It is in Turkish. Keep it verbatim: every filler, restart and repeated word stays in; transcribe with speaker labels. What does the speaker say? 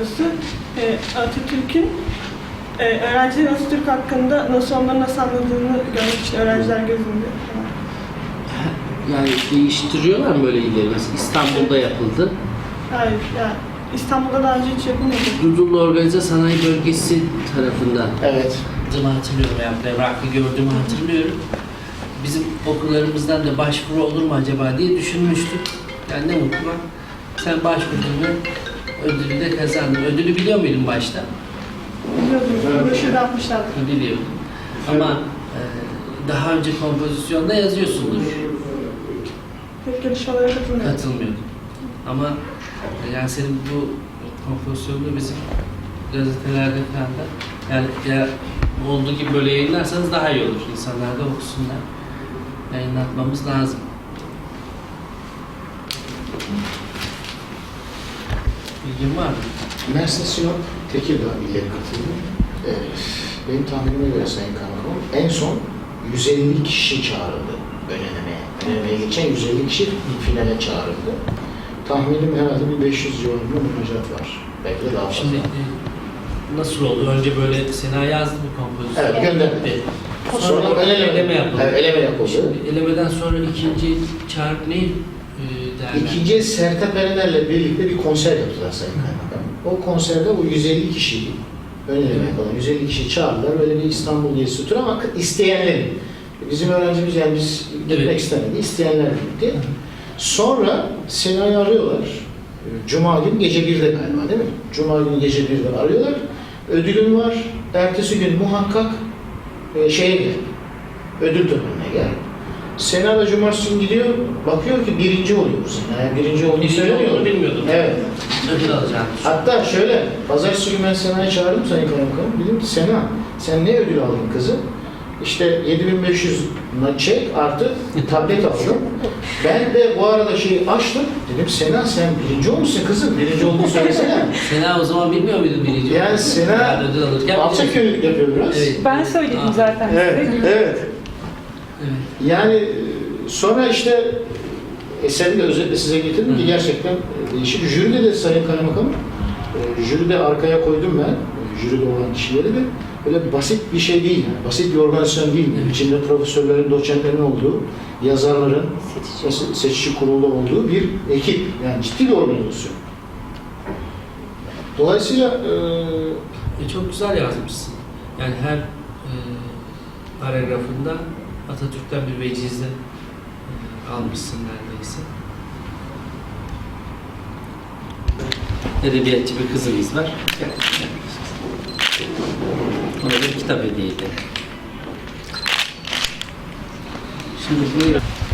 Speaker 1: sorusu. E, Atatürk'ün e, öğrencilerin Atatürk hakkında nasıl onları nasıl anladığını görmek için öğrenciler gözünde.
Speaker 2: Yani değiştiriyorlar mı böyle ileri? Mesela İstanbul'da yapıldı.
Speaker 1: Hayır, yani İstanbul'da daha önce hiç yapılmadı.
Speaker 2: Dudullu Organize Sanayi Bölgesi tarafından.
Speaker 3: Evet.
Speaker 2: Hatırlıyorum yani evraklı gördüğümü hatırlıyorum. Bizim okullarımızdan da başvuru olur mu acaba diye düşünmüştük. Yani ne mutlu bak. Sen başvurdun ve ödülü de kazandın. Ödülü biliyor muydun başta?
Speaker 1: Biliyordum, broşürde atmışlardı.
Speaker 2: Biliyordum. Ama e, daha önce kompozisyonda yazıyorsundur.
Speaker 1: Pek yarışmalara katılmıyorum.
Speaker 2: Katılmıyordum. Ama e, yani senin bu kompozisyonunu bizim gazetelerde falan da yani ya, olduğu gibi böyle yayınlarsanız daha iyi olur. İnsanlar da okusunlar. Yayınlatmamız lazım. Bilgin var mı?
Speaker 3: Mersin, Sinop, Tekirdağ illeri katıldı. Ee, benim tahminime göre Sayın Kaymakam, en son yüz elli kişi çağrıldı önelemeye. Önelemeye geçen yüz elli kişi finale çağrıldı. Tahminim herhalde bir beş yüz civarında müracaat var. Belki de daha fazla.
Speaker 2: Şimdi e, nasıl oldu? Önce böyle Sena yazdı bu kompozisyon.
Speaker 3: Evet, gönderdi.
Speaker 2: Sonra, sonra eleme, eleme yapıldı.
Speaker 3: Evet, eleme yapıldı.
Speaker 2: Şimdi elemeden sonra ikinci çağrı ne e, derler?
Speaker 3: İkinci Sertab Erener'le birlikte bir konser yaptılar Sayın Kaymakam. O konserde o yüz elli kişiyi, ön eleme yapılan yüz elli kişiyi çağırdılar. Böyle bir İstanbul gezisi turu ama isteyenlerin. Bizim öğrencimiz yani biz gitmek
Speaker 2: Evet.
Speaker 3: istemedi, isteyenler gitti. Sonra Sena'yı arıyorlar. Cuma günü gece birde galiba değil mi? Cuma günü gece birde arıyorlar. Ödülün var. Ertesi gün muhakkak e, şeye gel. Ödül törenine gel. Sena da cumartesi günü gidiyor. Bakıyor ki birinci oluyor bu sene. Yani birinci olduğunu
Speaker 2: Birinci
Speaker 3: söylemiyor.
Speaker 2: olduğunu bilmiyordum.
Speaker 3: Evet.
Speaker 2: Ödül alacağım.
Speaker 3: Hatta şöyle, pazartesi günü ben Sena'yı çağırdım Sayın Kaymakamım. Dedim ki Sena, sen ne ödül aldın kızım? İşte yedi bin beş yüz çek artı tablet aldım. Ben de bu arada şeyi açtım. Dedim Sena sen birinci olmuşsun kızım. Birinci olduğunu söylesene.
Speaker 2: Sena o zaman bilmiyor muydun birinci?
Speaker 3: Yani
Speaker 2: olduğunu?
Speaker 3: Sena
Speaker 2: Yani ödül alırken
Speaker 3: alçak gönüllülük yapıyor biraz.
Speaker 2: Evet.
Speaker 4: Ben söyledim
Speaker 2: Aa.
Speaker 4: zaten
Speaker 3: Evet,
Speaker 4: size.
Speaker 3: evet.
Speaker 2: Evet.
Speaker 3: Yani e, sonra işte eseri de özetle size getirdim ki gerçekten e, değişik. Jüride de Sayın Kaymakamım, e, jüride arkaya koydum ben, e, jüride olan kişileri de. Öyle basit bir şey değil yani, basit bir organizasyon değil.
Speaker 2: Evet.
Speaker 3: İçinde profesörlerin, doçentlerin olduğu, yazarların,
Speaker 4: Seçici.
Speaker 3: seçici kurulda olduğu bir ekip. Yani ciddi bir organizasyon. Dolayısıyla e,
Speaker 2: E, çok güzel yazmışsın. Yani her e, paragrafında Atatürk'ten bir vecize e, almışsın neredeyse. Edebiyatçı bir kızımız var. Gel, gel. Ona bir kitap hediye edelim. Şimdi buyurun.